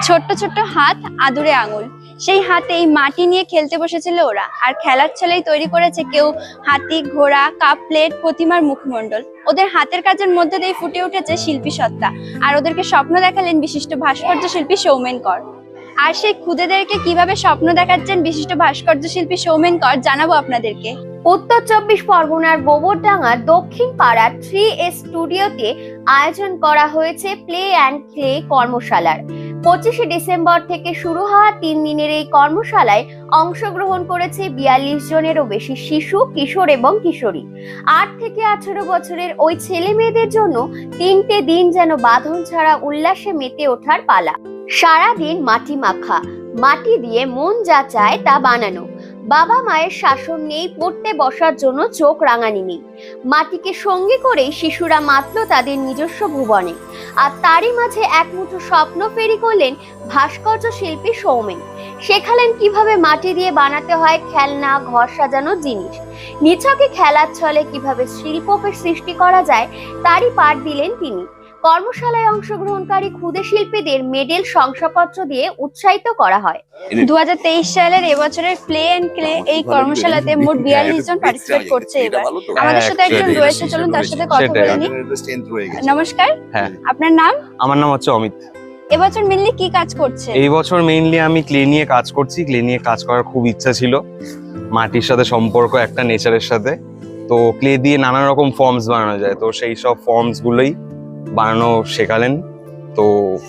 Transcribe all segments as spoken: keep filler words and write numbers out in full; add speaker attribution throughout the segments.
Speaker 1: ছোট্ট ছোট্ট হাত আদুরে আঙুল, সেই হাতে এই মাটি নিয়ে খেলতে বসেছিল ওরা। আর খেলার ছলেই তৈরি করেছে কেউ হাতি, ঘোড়া, কাপ প্লেট, প্রতিমার মুখমণ্ডল। ওদের হাতের কাজের মধ্যে দিয়ে ফুটে উঠেছে শিল্পী সত্তা। আর ওদেরকে স্বপ্ন দেখালেন বিশিষ্ট ভাস্কর্য শিল্পী সৌমেন কর। আর সেই খুদেদেরকে কিভাবে স্বপ্ন দেখাচ্ছেন বিশিষ্ট ভাস্কর্য শিল্পী সৌমেন কর জানাবো আপনাদেরকে।
Speaker 2: উত্তর চব্বিশ পরগনার গোবরডাঙ্গার দক্ষিণ পাড়ার থ্রি এস স্টুডিওতে আয়োজন করা হয়েছে প্লে অ্যান্ড ক্লে কর্মশালার। পঁচিশে ডিসেম্বর থেকে শুরু হওয়া তিন দিনের এই কর্মশালায় অংশগ্রহণ করেছে বিয়াল্লিশ জনেরও বেশি শিশু, কিশোর এবং কিশোরী। আট থেকে আঠারো বছরের ওই ছেলে মেয়েদের জন্য তিনটে দিন যেন বাঁধন ছাড়া উল্লাসে মেতে ওঠার পালা। সারাদিন মাটি মাখা, মাটি দিয়ে মন যা চায় তা বানানো। বাবা মায়ের শাসন নেই, পড়তে বসার জন্য চোখ রাঙানি নেই। মাটিকে সঙ্গী করেই শিশুরা মাতল তাদের নিজস্ব ভুবনে। আর তারই মাঝে এক মুঠো স্বপ্ন ফেরি করলেন ভাস্কর্য শিল্পী সৌমেন। শেখালেন কিভাবে মাটি দিয়ে বানাতে হয় খেলনা, ঘর সাজানোর জিনিস। নিছকে খেলার ছলে কিভাবে শিল্পকে সৃষ্টি করা যায় তারই পাঠ দিলেন তিনি। কর্মশালায় অংশগ্রহণকারী ক্ষুদে শিল্পীদের মেডেল, শংসাপত্র দিয়ে উৎসাহিত করা হয়।
Speaker 1: দু হাজার তেইশ সালের এবছরের প্লে এন্ড ক্লে এই কর্মশালাতে মোট বিয়াল্লিশ জন পার্টিসিপেট করছে। এবার আমাদের সাথে একজন রয়েছে, চলুন তার সাথে কথা বলে নিই। নমস্কার, আপনার নাম?
Speaker 3: আমার নাম হচ্ছে অমিত।
Speaker 1: এবছর মেইনলি কি কাজ করছে?
Speaker 3: এই বছর মেইনলি আমি ক্লে নিয়ে কাজ করছি। ক্লে নিয়ে কাজ করার খুব ইচ্ছা ছিল, মাটির সাথে সম্পর্ক একটা নেচারের সাথে। তো ক্লে দিয়ে নানা রকম ফর্মস বানানো যায়, তো সেই সব ফর্মস গুলোই বানানো শেখালেন। তো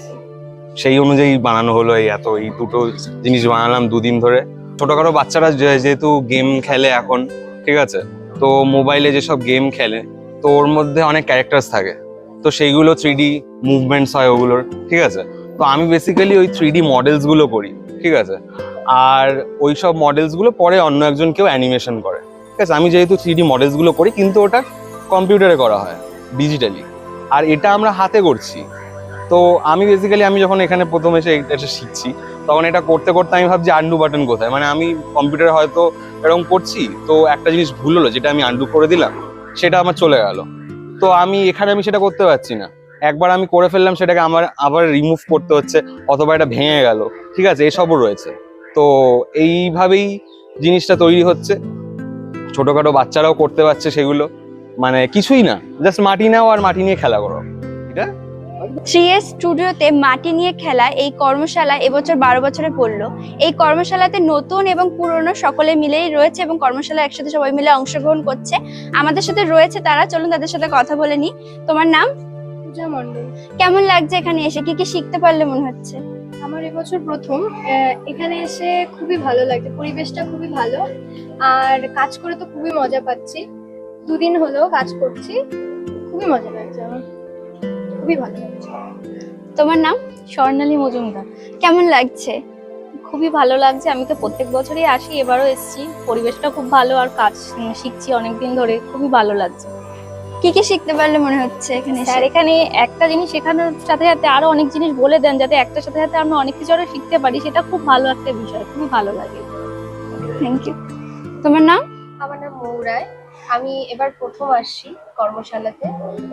Speaker 3: সেই অনুযায়ী বানানো হলো। এই এত এই দুটো জিনিস বানালাম দুদিন ধরে। ছোটখাটো বাচ্চারা যেহেতু গেম খেলে এখন, ঠিক আছে, তো মোবাইলে যেসব গেম খেলে তো ওর মধ্যে অনেক ক্যারেক্টার্স থাকে, তো সেইগুলো থ্রি ডি মুভমেন্টস হয় ওগুলোর, ঠিক আছে। তো আমি বেসিক্যালি ওই থ্রি ডি মডেলস গুলো করি, ঠিক আছে। আর ওই সব মডেলস গুলো পরে অন্য একজন কেউ অ্যানিমেশন করে, ঠিক আছে। আমি যেহেতু থ্রি ডি মডেলস গুলো করি, কিন্তু ওটা কম্পিউটারে করা হয় ডিজিটালি, আর এটা আমরা হাতে করছি। তো আমি বেসিক্যালি আমি যখন এখানে প্রথম এসে এটা শিখছি, তখন এটা করতে করতে আমি ভাবছি আন্ডু বাটন কোথায়। মানে আমি কম্পিউটারে হয়তো এরকম করছি, তো একটা জিনিস ভুল হলো যেটা আমি আন্ডু করে দিলাম, সেটা আমার চলে গেল। তো আমি এখানে আমি সেটা করতে পারছি না। একবার আমি করে ফেললাম, সেটাকে আমার আবার রিমুভ করতে হচ্ছে, অথবা এটা ভেঙে গেল, ঠিক আছে, এসবও রয়েছে। তো এইভাবেই জিনিসটা তৈরি হচ্ছে, ছোটখাটো বাচ্চারাও করতে পারছে সেগুলো। মানে কিছুই না, জাস্ট মাটি নাও আর মাটি নিয়ে খেলা করো। এটা
Speaker 1: থ্রি এস স্টুডিওতে মাটি নিয়ে খেলা এই কর্মশালা এবছর বারো বছরে পড়লো। এই কর্মশালাতে নতুন এবং পুরনো সকলে মিলেই রয়েছে এবং কর্মশালা একসাথে সবাই মিলে অংশগ্রহণ করছে। আমাদের সাথে রয়েছে তারা, চলুন তাদের সাথে কথা বলে নি। তোমার নাম?
Speaker 4: পূজা মণ্ডল।
Speaker 1: কেমন লাগছে এখানে এসে? কি কি শিখতে পারলে মনে হচ্ছে?
Speaker 4: আমার এবছর প্রথম এখানে এসে খুবই ভালো লাগছে, পরিবেশটা খুবই ভালো, আর কাজ করে তো খুবই মজা পাচ্ছি। দুদিন হলো কাজ করছি, খুবই মজা লাগছে আমার, খুবই ভালো লাগছে।
Speaker 1: তোমার নাম?
Speaker 5: স্বর্ণালী মজুমদার।
Speaker 1: কেমন লাগছে?
Speaker 5: খুবই ভালো লাগছে, আমি তো প্রত্যেক বছরই আসি, এবারও এসেছি। পরিবেশটা খুব ভালো আর কাজ শিখছি অনেকদিন ধরে, খুবই ভালো লাগছে।
Speaker 1: কি কি শিখতে পারলে মনে হচ্ছে এখানে?
Speaker 5: স্যার এখানে একটা জিনিস শেখানোর সাথে সাথে আরো অনেক জিনিস বলে দেন, যাতে একটার সাথে সাথে আমরা অনেক কিছু আরো শিখতে পারি। সেটা খুব ভালো একটা বিষয়, খুবই ভালো লাগে।
Speaker 1: Thank you. তোমার নাম?
Speaker 4: আমার নাম মৌরায়। আমি এবার প্রথম আসছি কর্মশালাতে।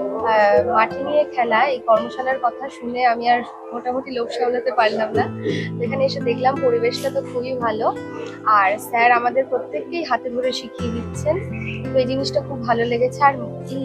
Speaker 4: মাটি নিয়ে খেলা এই কর্মশালার কথা শুনে আমি আর মোটামুটি লোভ সামলাতে পারলাম না। এখানে এসে দেখলাম পরিবেশটা তো খুবই ভালো, আর স্যার আমাদের প্রত্যেককেই হাতে ধরে শিখিয়ে দিচ্ছেন। তো এই জিনিসটা খুব ভালো লেগেছে। আর এই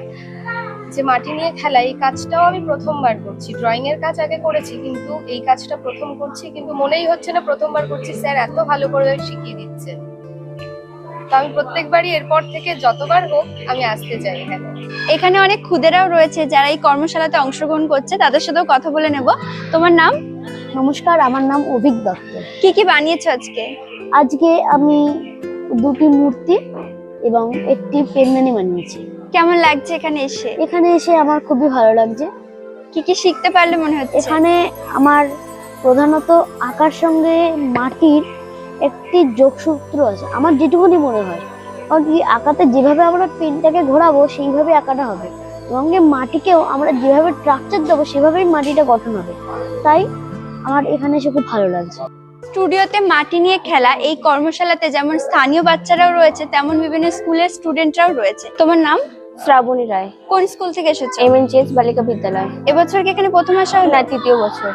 Speaker 4: যে মাটি নিয়ে খেলা এই কাজটাও আমি প্রথমবার করছি। ড্রয়িং এর কাজ আগে করেছি, কিন্তু এই কাজটা প্রথম করছি, কিন্তু মনেই হচ্ছে না প্রথমবার করছি। স্যার এত ভালো করে শিখিয়ে দিচ্ছেন, তো আমি প্রত্যেকবারই এরপর থেকে যতবার হোক আমি আসতে চাই এখানে।
Speaker 1: এখানে অনেক খুদেরাও রয়েছে যারা এই কর্মশালাতে অংশগ্রহণ করছে, তাদের সাথেও কথা বলে নেব। তোমার নাম?
Speaker 6: নমস্কার, আমার নাম অভিক দত্ত।
Speaker 1: কি কি বানিয়েছো আজকে?
Speaker 6: আজকে আমি দুটি মূর্তি এবং একটি পেনদানি বানিয়েছি।
Speaker 1: কেমন লাগছে এখানে এসে?
Speaker 6: এখানে এসে আমার খুবই ভালো লাগছে।
Speaker 1: কি কি শিখতে পারলে মনে হচ্ছে?
Speaker 6: এখানে আমার প্রধানত আঁকার সঙ্গে মাটির একটি যোগসূত্র আছে, আমার যেটুকুনি মনে হয়। কারণ কি আঁকাতে যেভাবে আমরা পেনটাকে ঘোরাবো সেইভাবে আঁকাটা হবে, এবং মাটিকেও আমরা যেভাবে স্ট্রাকচার দেবো সেভাবেই মাটিটা গঠন হবে। তাই আমার এখানে এসে খুব ভালো লাগছে।
Speaker 1: স্টুডিওতে মাটি নিয়ে খেলা এই কর্মশালাতে যেমন স্থানীয় বাচ্চারাও রয়েছে, তেমন বিভিন্ন স্কুলের স্টুডেন্টরাও রয়েছে। তোমার নাম?
Speaker 6: শ্রাবণী রায়।
Speaker 1: কোন স্কুল থেকে এসেছো?
Speaker 6: এম এন চি এস বালিকা বিদ্যালয়।
Speaker 1: এবছর কি এখানে প্রথম আসা হলো?
Speaker 6: না, তৃতীয় বছর।
Speaker 1: কি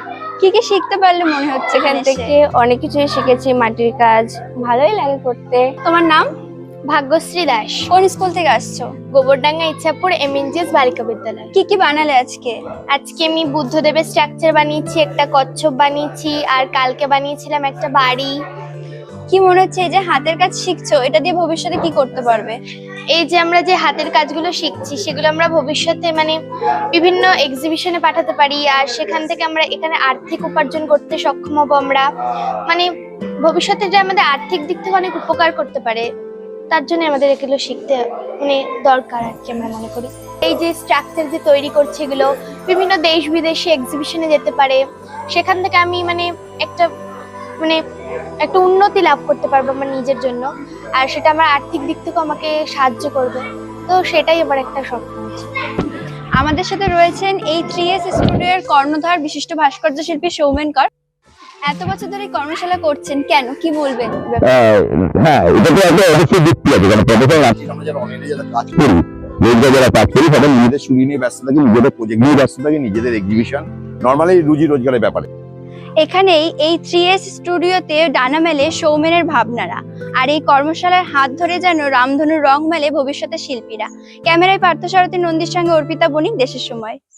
Speaker 1: কি কি শিখতে পারলে মনে হচ্ছে
Speaker 2: এখান
Speaker 1: এখান
Speaker 2: থেকে
Speaker 1: থেকে?
Speaker 2: অনেক কিছুই শিখেছি, মাটির কাজ ভালোই লাগে করতে।
Speaker 1: তোমার নাম?
Speaker 2: ভাগ্যশ্রী দাস,
Speaker 1: কোন স্কুল থেকে আসছো?
Speaker 2: গোবরডাঙ্গা ইচ্ছাপুর এমএনজিএস বালিকা বিদ্যালয়।
Speaker 1: কি কি বানালে আজকে?
Speaker 2: আজকে আমি বুদ্ধদেবের স্ট্রাকচার বানিয়েছি, একটা কচ্ছপ বানিয়েছি, আর কালকে বানিয়েছিলাম একটা বাড়ি।
Speaker 1: কি মনে হচ্ছে এই যে হাতের কাজ শিখছো, এটা দিয়ে ভবিষ্যতে কি করতে পারবে?
Speaker 2: এই যে আমরা যে হাতের কাজগুলো শিখছি সেগুলো আমরা ভবিষ্যতে মানে বিভিন্ন এক্সিবিশনে পাঠাতে পারি, আর সেখান থেকে আমরা এখানে আর্থিক উপার্জন করতে সক্ষম হব। আমরা মানে ভবিষ্যতে যে আমাদের আর্থিক দিক থেকে অনেক উপকার করতে পারে, তার জন্য আমাদের এগুলো শিখতে মানে দরকার আর কি আমরা মনে করি। এই যে স্ট্রাকচার যে তৈরি করছে এগুলো বিভিন্ন দেশ বিদেশে এক্সিবিশনে যেতে পারে, সেখান থেকে আমি মানে একটা মানে একটা উন্নতি লাভ করতে পারবো আমার নিজের জন্য, আর সেটা আমার আর্থিক দিক থেকে আমাকে সাহায্য করবে। তো সেটাই আমার একটা স্বপ্ন আছে।
Speaker 1: আমাদের সাথে রয়েছেন এই থ্রি এস স্টুডিওর কর্ণধার বিশিষ্ট ভাস্কর্য শিল্পী সৌমেন কর। এত বছর ধরে এই কর্মশালা করছেন কেন, কি বলবেন?
Speaker 7: আহ, হ্যাঁ এটা তো একটা অবশ্যই যুক্তি আছে, কারণ প্রফেশনাল আছি আমরা যারা অনলাইনে যারা কাজ করি, রোজগার যারা কাজ করি, সবাই নিজেদের শুরু নিয়ে ব্যস্ত থাকি, নিজেদের প্রজেক্ট নিয়ে ব্যস্ত থাকি, নিজেদের এক্সিবিশন নর্মালি রুজি রোজগারের ব্যাপারে।
Speaker 1: এখানেই এই থ্রি এস স্টুডিওতে ডানা মেলে সৌমেনের ভাবনারা, আর এই কর্মশালার হাত ধরে যেন রামধনুর রং মেলে ভবিষ্যতের শিল্পীরা। ক্যামেরায় পার্থসারথী নন্দীর সঙ্গে অর্পিতা বণিক, দেশের সময়।